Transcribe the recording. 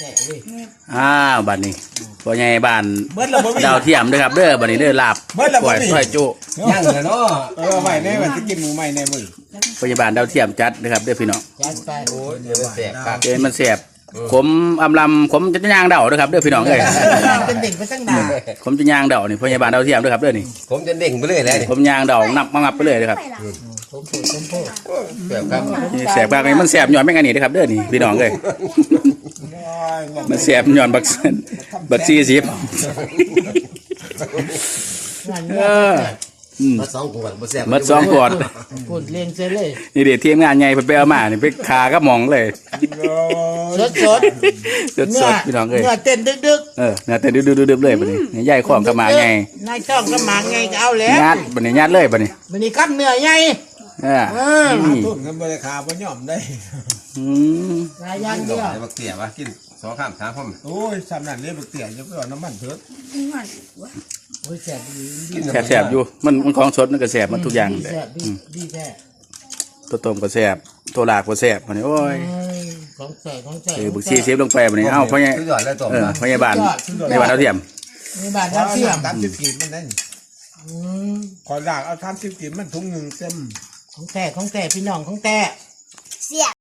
บัดนี้พ่อใหญ่บ้านดาวเทียมเด้อครับเด้อบัดนี้เด้อลาบกล้วยซอยจุย่างเลยเนาะใหม่แน่ว่าจะกินหมูใหม่ในมือพยาบาลดาวเทียมจัดนะครับเด้อพี่น้องโอ้ยเดี๋ยวมันแสบครับเดี๋ยวมันแสบขมอำลำขมจะย่างเดาเด้อครับเด้อพี่น้องเอ้ยเป็นเด็กไปตั้งนานขมจะย่างเดานี่พยาบาลดาวเทียมเด้อครับเด้อนี่ผมจะเด้งไปเรื่อยเลยผมย่างเดานับมางับไปเลยเด้อครับแสบครับนี่แสบมากนี่มันแสบย้อนแม่งอันนี้เด้อครับเด้อนี่พี่น้องเอ้ยมันแสบย้อนบักซีสิบมาสองขวดมาแสบมัดสองขวดพูดเล่นเสียเลยนี่เดี๋ยวทีมงานใหญ่ไปเอามานี่ไปคาก็มองเลยสดสดพี่น้องเอ้ยเนื้อเต้นดึกเนี่ยแต่ดื้อๆเลยบัดนี้นี่ใหญ่ของก็มาไงนายช่องก็มาไงก็เอาแล้วญาติบัดนี้ญาติเลยบัดนี้วันนี้กับเนื้อใหญ่นี่ต้นกันบริคาบ่ย่อมได้รายอย่างเดียวบักเตี๋ยวะกินสองข้ามสามพ่อมโอ้ยสำนักเรียกเตี๋ยจะไปเอาน้ำมันเถิดโอ้ยแสบดีแสบอยู่มันของสดมันก็แสบมันทุกอย่างแสบดีแสบตัวต้มก็แสบตัวลากก็แสบบัดนี้โอ้ยของแสบของแสบบุกซีเซฟลงไปบัดนี้เอ้าพ่อใหญ่สุดยอดเลยตัวพยาบาลในบ้านเท่าเทียมมีบาทน้ำเชื่อม 30 กีบมันได้ขอลากเอา30 กีบมันถุงหนึ่งเต็มของแต่พี่น้องของแต่